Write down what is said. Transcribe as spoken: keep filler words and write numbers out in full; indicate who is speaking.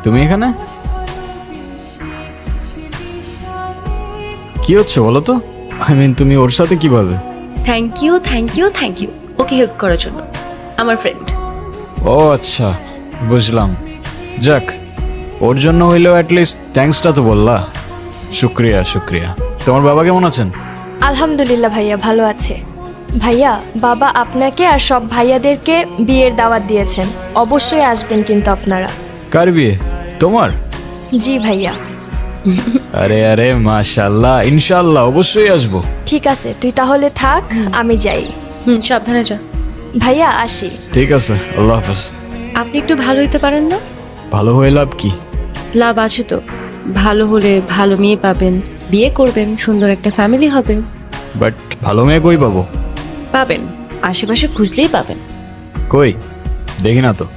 Speaker 1: তুমি এখানে কি হচ্ছে বলো তো? আই মিন তুমি ওর সাথে কিভাবে?
Speaker 2: Thank you thank you thank you ওকে হেল্প করার জন্য। আমার ফ্রেন্ড।
Speaker 1: ও আচ্ছা, বুঝলাম। যাক, ওর জন্য হইলেও অ্যাটলিস্ট থ্যাঙ্কসটা তো বললা। শুক্রিয়া শুক্রিয়া। তোমার বাবা কেমন আছেন?
Speaker 3: আলহামদুলিল্লাহ ভাইয়া ভালো আছে। ভাইয়া, বাবা আপনাকে আর সব ভাইয়াদেরকে বিয়ের দাওয়াত দিয়েছেন, অবশ্যই আসবেন কিন্তু আপনারা।
Speaker 1: কার বিয়ে? তোমার?
Speaker 3: জি ভাইয়া।
Speaker 1: আরে আরে মাশাআল্লাহ, ইনশাআল্লাহ অবশ্যই আসবো।
Speaker 3: ঠিক আছে, তুই তাহলে থাক, আমি যাই।
Speaker 2: হুম, সাবধানে যা।
Speaker 3: ভাইয়া আসি।
Speaker 1: ঠিক আছে, আল্লাহ হাফেজ।
Speaker 2: আপনি একটু ভালো হইতে পারেন না?
Speaker 1: ভালো হয়ে লাভ কি?
Speaker 2: লাভ আছে তো। ভালো হলে ভালো মেয়ে পাবেন, বিয়ে করবেন, সুন্দর একটা ফ্যামিলি হবে।
Speaker 1: বাট ভালো মেয়ে কই পাবো?
Speaker 2: পাবেন, আশেপাশে খুঁজলেই পাবেন।
Speaker 1: কই দেখি না তো।